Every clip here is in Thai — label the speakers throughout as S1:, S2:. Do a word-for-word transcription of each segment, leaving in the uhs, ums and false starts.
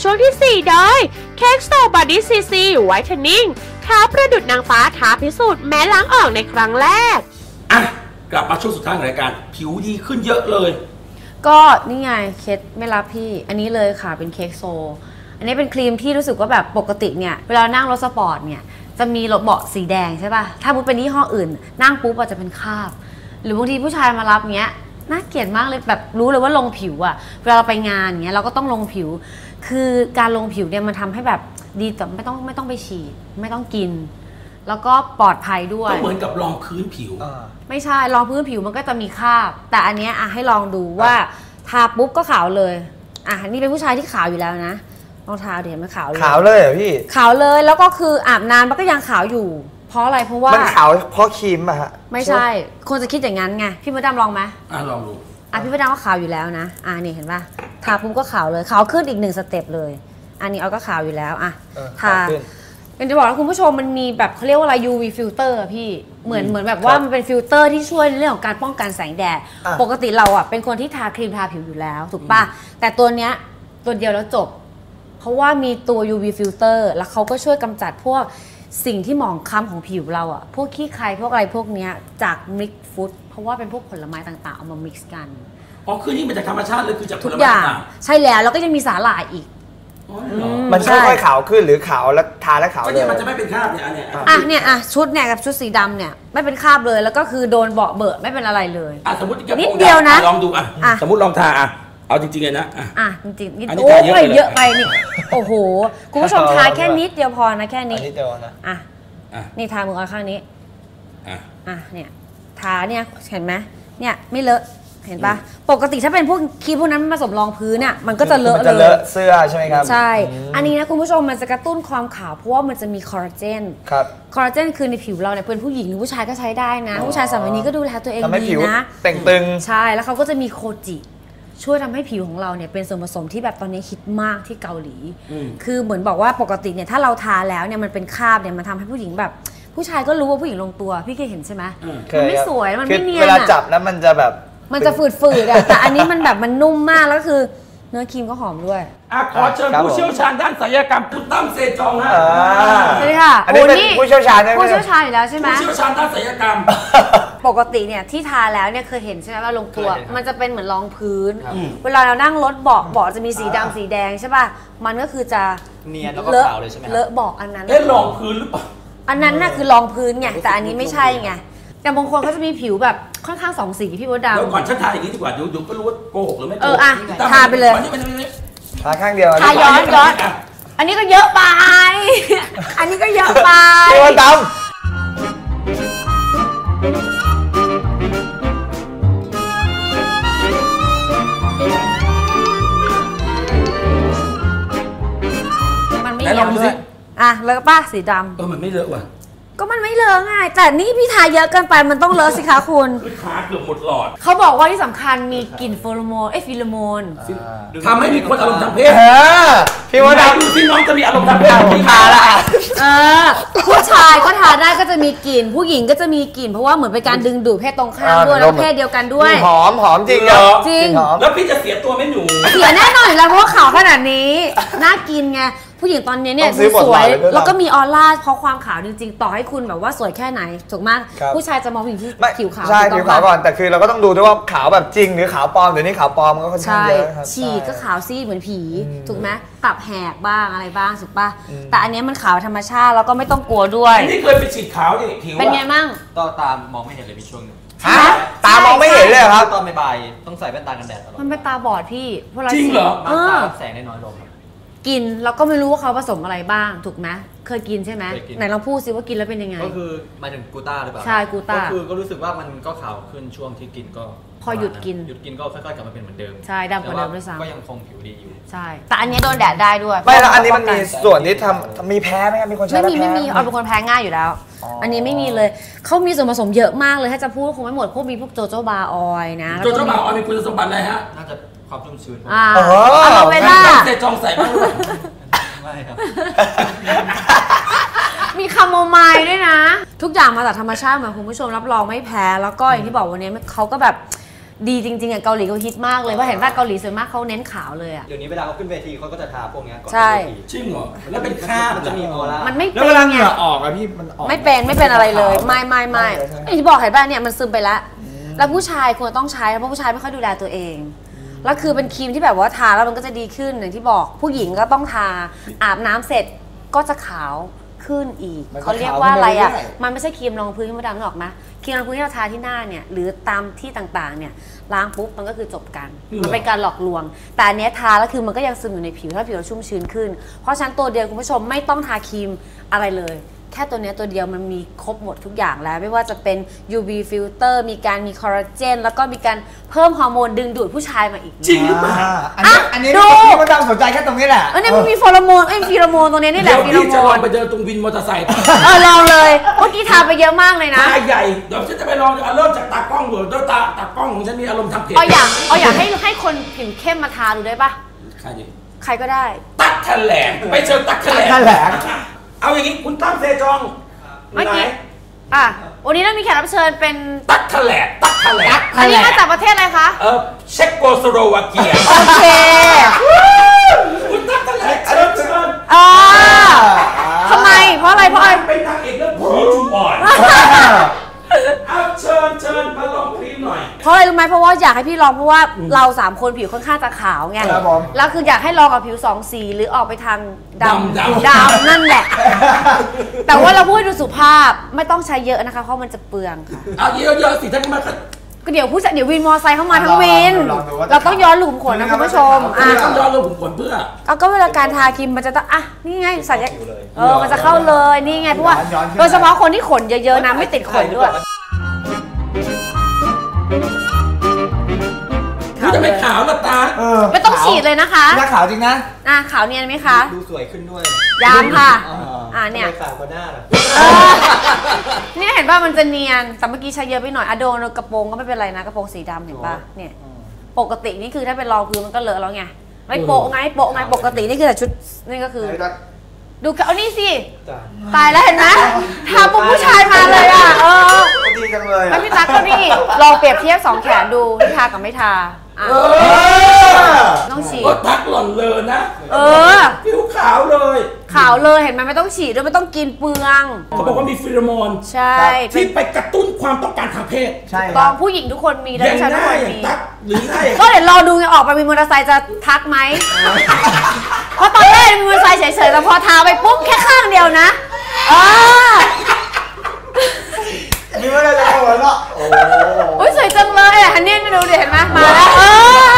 S1: ช่วงที่สี่โดยเค้กโซบอดี้ซีซีไวท์เทนนิ่งขาวประดุจนางฟ้าท้าพิสูจน์แม้ล้างออกในครั้งแรก
S2: อ่ะกลับมาช่วงสุดท้ายของรายการผิวดีขึ้นเยอะเลย
S3: ก็นี่ไงเคสไม่รับพี่อันนี้เลยค่ะเป็นเค้กโซอันนี้เป็นครีมที่รู้สึกว่าแบบปกติเนี่ยเวลานั่งรถสปอร์ตเนี่ยจะมีรถเบาะสีแดงใช่ป่ะถ้ามุดเป็นยี่ห้ออื่นนั่งปุ๊บอาจจะเป็นคราบหรือบางทีผู้ชายมารับเงี้ยน่าเกลียดมากเลยแบบรู้เลยว่าลงผิวอะเวลาเราไปงานเงี้ยเราก็ต้องลงผิวคือการลงผิวเนี่ยมันทำให้แบบดีแต่ไม่ต้องไม่ต้องไปฉีดไม่ต้องกินแล้วก็ปลอดภัยด้วย
S2: ก็เหมือนกับรองพื้นผิว
S3: ไม่ใช่รองพื้นผิวมันก็จะมีคราบแต่อันเนี้ยอะให้ลองดูว่าทาปุ๊บก็ขาวเลยอ่ะนี่เป็นผู้ชายที่ขาวอยู่แล้วนะลองทาเดี๋ยวมันขาวเลย
S4: ขาวเลยเหรอพี่
S3: ขาวเลยแล้วก็คืออาบน้ำมันก็ยังขาวอยู่เพราะอะไรเพราะว่า
S4: มันขาวเพราะครีมอะฮะ
S3: ไม่ใช่คนจะคิดอย่างนั้นไงพี่มดดำลองไหม
S2: อ่ะลองดู
S3: อ่ะพี่มดดำก็ขาวอยู่แล้วนะอ่ะนี่เห็นป่ะทาปุ๊บก็ขาวเลยขาวขึ้นอีกหนึ่งสเต็ปเลยอันนี้เอาก็ขาวอยู่แล้วอ่ะทาเป็นจะบอกว่าคุณผู้ชมมันมีแบบเขาเรียกว่าอะไร ยู วี ฟิลเตอร์พี่เหมือนเหมือนแบบว่ามันเป็นฟิลเตอร์ที่ช่วยในเรื่องของการป้องกันแสงแดดปกติเราอ่ะเป็นคนที่ทาครีมทาผิวอยู่แล้วถูกป่ะแต่ตัวเนี้ยตัวเดียวแล้วจบเพราะว่ามีตัว ยู วี ฟิลเตอร์แล้วเขาก็ช่วยกำจัดพวกสิ่งที่หมองคล้ำของผิวเราอ่ะพวกขี้ใครพวกอะไรพวกเนี้ยจากมิกซ์ฟู้ดเพราะว่าเป็นพวกผลไม้ต่างๆเอามามิกซ์กัน
S2: อ๋อคือนี่มันจากธรรมชาติเลยคือจากผลไม้ต่าง
S3: ๆใช่แล้วแล้วก็ยังมีสาหร่ายอีก
S4: มันค่อยๆขาวขึ้นหรือขาวแล้วทาแล้วขาวเลย
S2: มันจะไม่เป็นคราบเนี่ยอันเนี้ย
S3: อ่ะเนี่ยอ่ะชุดเนี่ยกับชุดสีดำเนี่ยไม่เป็นคราบเลยแล้วก็คือโดนเบาะเบอะไม่เป็นอะไรเลย
S2: อ่ะสมมติ
S3: นิดเดียวนะ
S2: ลองดูอ่ะสมมติลองทาอ่ะเอาจริงๆเลยนะ
S3: อ่ะจริงๆนิดโอ้ยเยอะไปนี่โอ้โหคุณผู้ชมทาแค่นิดเดียวพอนะแค่นี้
S4: นิดเดียวนะ
S3: อ่ะนี่ทามือเอาข้างนี้อ่ะอ่ะเนี่ยทาเนี่ยเห็นไหมเนี่ยไม่เลอะเห็นปะปกติถ้าเป็นพวกครีมพวกนั้นผสมรองพื้นอ่ะมันก็จะเลอะเลย
S4: จะเลอะเสื้อใช่ไหมครับ
S3: ใช่อันนี้นะคุณผู้ชมมันจะกระตุ้นความขาวเพราะว่ามันจะมีคอลลาเจน
S4: ครับ
S3: คอลลาเจนคือในผิวเราเนี่ยเป็นผู้หญิงหรือผู้ชายก็ใช้ได้นะผู้ชายสมัยนี้ก็ดูแลตัวเองดีนะ
S4: แต่งตึง
S3: ใช่แล้วเขาก็จะมีโคจิช่วยทำให้ผิวของเราเนี่ยเป็นส่วนผสมที่แบบตอนนี้ฮิตมากที่เกาหลีคือเหมือนบอกว่าปกติเนี่ยถ้าเราทาแล้วเนี่ยมันเป็นคราบเนี่ยมันทำให้ผู้หญิงแบบผู้ชายก็รู้ว่าผู้หญิงลงตัวพี่เคยเห็นใช่ไหมมันไม่สวยมันไม่เนียน
S4: เวลาจับแล้วมันจะแบบ
S3: มันจะฝืดๆอะแต่อันนี้มันแบบมันนุ่มมากแล้วคือเนื้อครีมก็หอมด้วย
S2: อ่ะขอเชิญผู้เชี่ยวชาญด้านศัลยกรรมคุณตั้มเซจองฮะ
S3: สวัสดีค่ะ
S4: อันนี้เป็นผู้เชี่ยวชาญ
S3: ผู้เชี่ยวชาญอยู่แล้วใช่ไหม
S2: ผู้เชี่ยวชาญด้านศัลยกรรม
S3: ปกติเนี่ยที่ทาแล้วเนี่ยเคยเห็นใช่ไหมว่าลงตัวมันจะเป็นเหมือนรองพื้นเวลาเรานั่งรถเบาะเบาะจะมีสีดำสีแดงใช่ป่ะมันก็คือจะ
S5: เนียนแล้วก็ขาวเลยใช่ไหม
S3: เลอะเบาะอันนั้น
S2: เอ๊ะรองพื้นหรือเปล่า
S3: อันนั้นน่ะคือรองพื้นไงแต่อันนี้ไม่ใช่ไงแต่บางคนเขาจะมีผิวแบบค่อนข้างสองสีพี่มดดำ
S2: แล้วก่อนฉันทาอย่างนี้ดีกว่าเดี๋ยวเดี๋ยวก็รู้ว่าโกหกหรือไม่โกหก
S3: เอออ่ะทาไปเลย
S4: ทาข้างเดียว
S3: ทาย้อนย้อนอันนี้ก็เยอะไปอันนี้ก็เยอะไป
S4: พี่มดด
S3: ำมันไม่เยอะด้วยอ่ะแล้วก็ป้าสีดำ
S2: เออมันไม่เลอะว่ะ
S3: ก็มันไม่เลอะง่ายแต่นี่พี่ทาเยอะเกินไปมันต้องเลอะสิคะคุณ
S2: คือทาเกือบหมดหลอด
S3: เขาบอกว่าที่สำคัญมีกลิ่นโฟโรโมนเอ้ฟิโลโมน
S2: ทำให้มีคนอารมณ์ทางเพศ
S4: พี่มดดำ
S2: ดูที่น้องจะมีอารมณ์ทางเพศ
S4: พี่ทาละ
S3: เออผู้ชายก็ทาได้ก็จะมีกลิ่นผู้หญิงก็จะมีกลิ่นเพราะว่าเหมือนเป็นการดึงดูดเพศตรงข้ามด้วยแล้วเพศเดียวกันด้วย
S4: หอมหอมจริงเหรอ
S3: จริง
S2: แล้วพี่จะเสียตัวไม่หนู
S3: เสียแน่นอนแล้วเพราะว่าขาวขนาดนี้น่ากินไงผู้หญิงตอนนี้เนี่ยสวยแล้วก็มีออร่าเพราะความขาวจริงๆต่อให้คุณแบบว่าสวยแค่ไหนถูกมากผู้ชายจะมองผู้หญิงที่ผิวขาว
S4: ใช่ผิวขาวก่อนแต่คือเราก็ต้องดูด้วยว่าขาวแบบจริงหรือขาวปลอมเดี๋ยวนี้ขาวปลอมก็ค่อนข้างเยอะ
S3: ฉีกก็ขาวซีดเหมือนผีถูกไหมตับแหกบ้างอะไรบ้างถูกป่ะแต่อันนี้มันขาวธรรมชาติแล้วก็ไม่ต้องกลัวด้วย
S2: นี่เคยไปฉีดขาวดิผิว
S3: เป็นไงมั่ง
S5: ก็ตามมองไม่เห็นเลยมีช่วงนึง
S4: ตามองไม่เห็นเลยครับ
S5: ตอนบ่ายต้องใส่แว่นตากันแดดตลอด
S3: มันเป็นตาบอดพี่
S2: เพราะเราจริงเหรอ
S5: แสงได้น้อยลง
S3: กินเราก็ไม่รู้ว่าเขาผสมอะไรบ้างถูกไหมเคยกินใช่ไหมไหนลองพูดซิว่ากินแล้วเป็นยังไง
S5: ก็คือหมายถึงกูต้าหรือเปล่า
S3: ใช่กูต้า
S5: ก็คือก็รู้สึกว่ามันก็ขาวขึ้นช่วงที่กินก็
S3: พอหยุดกิน
S5: หยุดกินก็ค่อยๆกลับมาเป็นเหมือนเดิม
S3: ใช่ดำกว่าเดิมด้วยซ้ำ
S5: ก็ยังคงผิวดีอยู่
S3: ใช่แต่อันนี้โดนแดดได้ด้วย
S4: ไม่แล้วอันนี้มันมีส่วนที่ทำมีแพ้ไหมครับมีคนใช้
S3: ไม่มีไม่มีเอาเป็นคนแพ้ง่ายอยู่แล้วอันนี้ไม่มีเลยเขามีส่วนผสมเยอะมากเลยถ้าจะพูดคงไม่หมดพวกมีพวกโจโจบาออยนะ
S2: โจโจบาออยมีคุณสมบัติอะไรฮะ
S5: น่าจะความชุ่มชื้น
S3: อ่าอะโลเวล่า
S2: เซจองใส่บ้าง
S5: ไม่ครับ
S3: มีคาโมไมล์ด้วยนะทุกอย่างมาจากธรรมชาติเหมือนคุณผู้ชมรับรองไม่แพ้แล้วก็อย่างที่บอกวันนี้เขาก็แบบดีจริงๆอ่ะเกาหลีเขาฮิตมากเลยเพราะเห็นว่าเกาหลีส่วนมากเขาเน้นขาวเลยอ่ะ
S5: เดี๋ยวนี้เวลาเขาขึ้นเวทีเขาก็จะทาพวกเนี้ยก่อน
S3: ใช่
S5: ขึ้นเวที
S2: จริงเหรอแล้วเป็นคราบ
S5: มันจะมีออร่า
S3: มันไม่
S4: แล้ว
S3: เป็
S4: เวน ลาเห
S3: ไง
S4: งื่อออกอะพี่มันออก
S3: ไม่เป็นไม่เป็นอะไรเลยไม่ไม่ไม่
S4: ไม่เลยใช่ไหม
S3: อย่างที่บอกเห็นป่ะเนี่ยมันซึมไปแล้วแล้วผู้ชายควรต้องใช้เพราะผู้ชายไม่ค่อยดูแลตัวเองแล้วคือเป็นครีมที่แบบว่าทาแล้วมันก็จะดีขึ้นอย่างที่บอกผู้หญิงก็ต้องทาอาบน้ำเสร็จก็จะขาวขึ้นอีกเขาเรียกว่าอะไรอ่ะมันไม่ใช่ครีมรองพื้นที่มดดำหรอกนะครีมรองพื้นที่เราทาที่หน้าเนี่ยหรือตามที่ต่างๆเนี่ยล้างปุ๊บมันก็คือจบกันมันเป็นการหลอกลวงแต่อันเนี้ยทาแล้วคือมันก็ยังซึมอยู่ในผิวถ้าผิวเราชุ่มชื้นขึ้นเพราะฉะนั้นตัวเดียวคุณผู้ชมไม่ต้องทาครีมอะไรเลยแค่ตัวนี้ตัวเดียวมันมีครบหมดทุกอย่างแล้วไม่ว่าจะเป็น ยู วี filter มีการมีคอลลาเจนแล้วก็มีการเพิ่มฮอร์โมนดึงดูดผู้ชายมาอีก
S2: จริงหรือเปล่า
S4: อันนี้อันนี้พี่มดดำสนใจแค่ตรงนี้แหละ
S3: เออเนี่ยมันมีโฟโรโมนเอ้ยฟีโรโมนตรงนี้นี่แห
S2: เดี๋
S3: ละ
S2: ยว
S3: ฟีโร
S2: พี่
S3: โม
S2: จะลอง
S3: น
S2: ไปเดินตรงวินมอเตอร์ไซค์
S3: เออลองเลยเมื่อกี้ทาไปเยอะมากเลยนะ
S2: ตาใหญ่เดี๋ยวฉันจะไปลองเอาเริ่มจากตากล้องก่อนด้วยตาตากล้องของฉันมีอารมณ์ทางเพจ
S3: เอาอยากเอาอยากให้ให้คนผิวเข้มมาทาดูได้ปะ
S2: ใครดิ
S3: ใครก็ได้
S2: ตักแถลงไปเชิญตักแถลง
S4: ตั๊กแถลง
S2: เอาอย่างนี้คุณตั้มเซจอง
S3: เมื่อกี้อ่ะวันนี้เรามีแขกรับเชิญเป็น
S2: ตักแถลงตักแถลง
S3: อันนี้มาจากประเทศอะไรคะ
S2: เออเช็กโกสโลวาเกีย
S3: โอเค
S2: คุณตักแถลงเชิญเชิญ
S3: อ่าทำไมเพราะอะไรเพราะอะไร
S2: เป็นนางเอกเรื่องผีจูบอ่อนเอาเชิญเชิญมาลองครีมหน่อย
S3: เพราะอะไรรู้ไหมเพราะว่าอยากให้พี่ลองเพราะว่าเราสามคนผิวค่อนข้างจะขาวไง
S4: ครับผม
S3: แล้วคืออยากให้ลองกับผิวสองสีหรือออกไปทางดำ
S2: ดำ
S3: ดำนั่นแหละ แต่ว่าเราพูดดูสุภาพไม่ต้องใช้เยอะนะคะเพราะมันจะเปลืองค่ะ
S2: เอาเยอะๆสิท่านมา
S3: ก็เดี๋ยวผู้ชายเดี๋ยววินมอไซค์เข้ามาทั้งวิน
S4: ลองดูว่าจะ
S3: เราต้องย้อนหลุมขนนะคุณผู้ชมอ่ะ
S2: ต้องย้อนลงผมขนเพื่อ
S3: เอาก็เวลาการทาครีมมันจะต้องอ่ะนี่ไงสัญญาเออมันจะเข้าเลยนี่ไงเพราะว่า
S4: ย้อนๆขึ้น
S3: โดยเฉพาะคนที่ขนเยอะๆนะไม่ติดขนด้วย
S2: คุณจะไม่ขาวละตา
S4: เออ
S3: ไม่ต้องฉีดเลยนะคะ
S4: หน้าขาวจริงนะ
S3: อ่ะขาวเนียนไหมคะ
S5: ดูสวยขึ้นด้วย
S3: ยามค่ะ
S4: อ่า
S3: อ่าเนี่ย
S5: ทำไมขาวกว่าหน้าล่ะ
S3: เออเนี่ยเห็นป่ะมันจะเนียนแต่เมื่อกี้ใช้เยอะไปหน่อยอะโดนกระโปรงก็ไม่เป็นไรนะกระโปรงสีดำเห็นป่ะเนี่ยปกตินี่คือถ้าเป็นรองพื้นมันก็เลอะแล้วไงไม่โปะไงโปะไงปกตินี่คือแต่ชุดนี่ก็คือ ดูเอานี่สิ
S5: จ้ะ
S3: ตายแล้วเห็นไหมทาปุ๊บผู้ชายมาเลยอ่ะเออ
S4: ดีจังเลย
S3: แล้วพี่ตั๊กก็นี่ลองเปรียบเทียบสองแขนดูที่ทากับไม่ทาอ่ะ
S2: เออ
S3: ต้องฉีด
S2: ก็ทักหล่อนเลยนะ
S3: เออ
S2: ผิวขาวเลย
S3: ขาวเลยเห็นไหมไม่ต้องฉีดด้วยไม่ต้องกินเปลือง
S2: เขาบอกว่ามีฟีโรโมน
S3: ใช่
S2: ที่ไปกระตุ้นความต้องการทางเพศ
S4: ใช่ค
S3: ตอ
S4: รั
S3: ง
S4: บ
S3: ผู้หญิงทุกคนมี
S2: อ
S3: แล้ว
S2: ย่าง
S3: ผู้ชาย
S2: ห
S3: ทุก
S2: น้า
S3: คน
S2: อย่าง
S3: มี
S2: ตักหรือหน้าอย่าง
S3: ก็เดี๋ยวรอดูไงออกไปมีมอเตอร์ไซค์จะทักไหมเพราะตอนแรกมีมอเตอร์ไซค์เฉยๆแต่พอทาไปปุ๊บแค่ข้างเดียวนะเออ
S4: มีไม่ได้เลยหัวเราะโอ้
S3: โอ้ยสวยจังเลยอ่ะฮันนี่ไม่ดูดิเห็นไหมมาแล้วเออ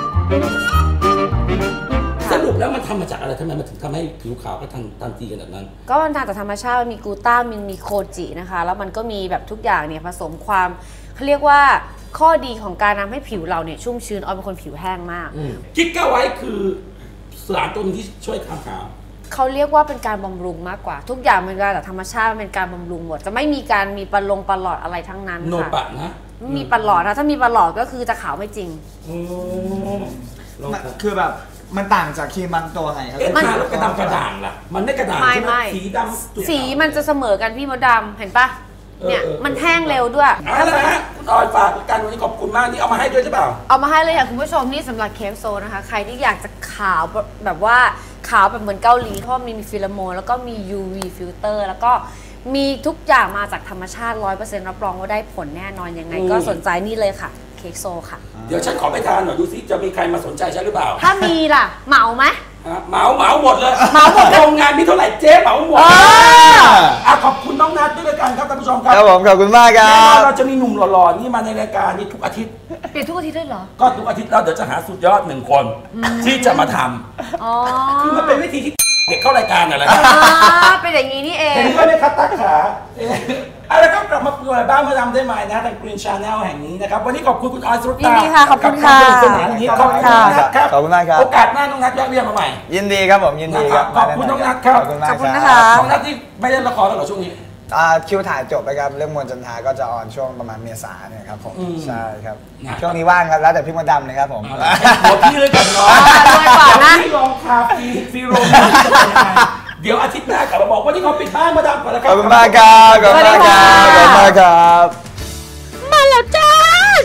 S2: สรุปแล้วมันทำมาจากอะไรทำไมมันถึงทำให้ผิวขาวก็ทันทันทีขนาดนั้น
S3: ก็มันทางจากธรรมชาติมันมีกลูต้ามินมีโคจินะคะแล้วมันก็มีแบบทุกอย่างเนี่ยผสมความเขาเรียกว่าข้อดีของการทำให้ผิวเราเนี่ยชุ่มชื้นออยเป็นคนผิวแห้งมาก
S2: กิกก้าไว้คือสารตัวนึงที่ช่วยความขาว
S3: เขาเรียกว่าเป็นการบำรุงมากกว่า ทุกอย่างมันมาจากธรรมชาติมันเป็นการบำรุงหมดจะไม่มีการมีปลงปลอดอะไรทั้งนั้น
S2: โน
S3: ค่ะ
S2: ปะนะ
S3: ไม่มีปลอดนะถ้ามีปลอดก็คือจะขาวไม่จริง
S2: โอ้ลอง
S4: คือแบบมันต่างจากครีมบางตัวไงครับ
S2: เอ๊ะทาแล้วกระดำกระด่างล่ะ มันไม่กระด่าง
S3: ไม่
S2: ใช่ไหม
S3: ไม่
S2: สีดำจุดขาว
S3: สีมันจะเสมอกันพี่มดดำเห็นปะเนี่ย
S2: เออเออ
S3: มันแห้งเร็วด้วย
S2: เอาละฮะคุณออยฝากกันวันนี้ขอบคุณมากนี่เอามาให้ด้วยใช่เปล่า
S3: เอามาให้เลยค่ะคุณผู้ชมนี่สำหรับเคฟโซนะคะ ใครที่อยากจะขาวแบบว่าขาวแบบเหมือนเกาหลีเพราะมีมีฟิลาโมนแล้วก็มี ยู วี ฟิลเตอร์แล้วก็มีทุกอย่างมาจากธรรมชาติ ร้อยเปอร์เซ็นต์ รับรองว่าได้ผลแน่นอนยังไง
S2: อืม
S3: ก็สนใจนี่เลยค่ะเคฟโซค่ะ
S2: เดี๋ยวฉันขอไปทานหน่อยดูซิจะมีใครมาสนใจฉันหรือเปล่า
S3: ถ้ามีล่ะ เหมาไหม
S2: ฮะเหมาเหมาหมดเลย
S3: เหมาหมด
S2: โรงงานมีเท่าไหร่เจ๊เหมาหมด
S3: เออ
S2: อ่ะขอบคุณน้องนัทด้วยกันครับท่านผู้ชมครับ
S4: ครับผมขอบคุณมากค
S2: แน่
S4: รั
S2: นอน
S4: บ
S2: เราจะมีหนุ่มหล่อๆนี่มาในรายการนี้ทุกอาทิตย์
S3: เปลี่ยนทุกอาทิตย์ด้วยเหรอ
S2: ก็ทุกอาทิตย์เราเดี๋ยวจะหาสุดยอดหนึ่งคน ที่จะมาทำ
S3: อ๋อ
S2: คือมันเป็นวิธีที่เด็กเข้ารายการอะไร
S3: อ่าเป็นอย่างนี้นี่เอง
S2: เห็นด้วยไหมครับตั๊กขาเอ๊ะเอาละครับกลับมาเปิดบ้านมาทำได้ใหม่นะทาง Green Channel แห่งนี้นะครับวันนี้ขอบคุณคุณออยสุร
S3: ยิ
S2: ตาน
S3: ดีค่ะขอบคุณค่ะ
S2: กับวามสนุกสนานอย่างนี้ขอบคุณน้องนัทครับ
S4: ขอบคุณมากครับ
S2: โอกาสหน้าน้องนัทแวะเวียนมาใหม่
S4: ยินดีครับผมยินดีครับ
S2: ขอบคุณน้องนัทครับ
S4: ขอบคุณมาก
S3: ขอบคุณ
S4: รั
S3: นะคะ
S2: น้องนัทที่ไม่ได้ละครแล้วเหรอช่วงนี้
S4: อ่าคิวถ่ายจบไปครับเรื่องมวลจันทราก็จะออนช่วงประมาณเมษาเนี่ยครับผม
S2: อืม
S4: ใช่ครับ
S2: นะ
S4: ช่วงนี้ว่างครับแล้วแต่พี่มดดำเลยครับผม
S2: เอาละหัวพี่เลยกันเนาะ
S3: อ่าด้วยก่อนนะ
S2: ที่ลองคาฟีฟีโรมเดี๋ยวอาทิตย์หน้ากลับมาบอกว่าที่เขาปิดบ้านมาดามก่อนแล้วค
S4: ข
S2: รับ
S4: อบคุณมากครับขอบคุณมากครับขอบคุณมากครับ
S1: มาแล้วจ้า ช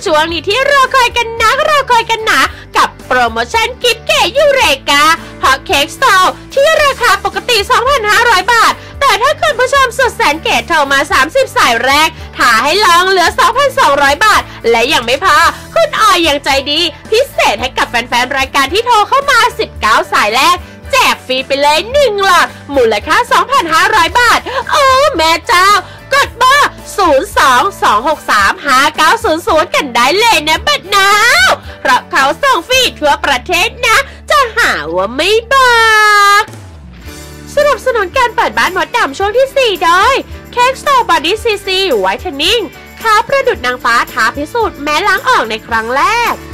S1: ช่วงนี้ที่รอคอยกันนักรอคอยกันหนากับโปรโมชั่นกิฟต์เก๋ยูเรกาฮอตเค้กสโตร์ที่ราคาปกติ สองพันห้าร้อย บาทแต่ถ้าคุณผู้ชมสุดแสนเก๋โทรมาสามสิบสายแรกถ่าให้ลองเหลือ สองพันสองร้อย บาทและยังไม่พอคุณออยยังใจดีพิเศษให้กับแฟนๆรายการที่โทรเข้ามาสิบเก้าสายแรกแจกฟรีไปเลยหนึ่งหลอดมูลค่า สองพันห้าร้อย บาทโอ้แม่เจ้ากดเบอร์ ศูนย์ สอง สอง หก สาม ห้า เก้า ศูนย์ ศูนย์ กันได้เลยนะบัดนาวเพราะเขาส่งฟรีทั่วประเทศนะจะหาว่าไม่บอกสนับสนุนการเปิดบ้านมดดำช่วงที่สี่โดยเค้กสโตร์บอดี้ซีซีไวท์เทนนิ่งขาวประดุจนางฟ้าท้าพิสูจน์แม้ล้างออกในครั้งแรก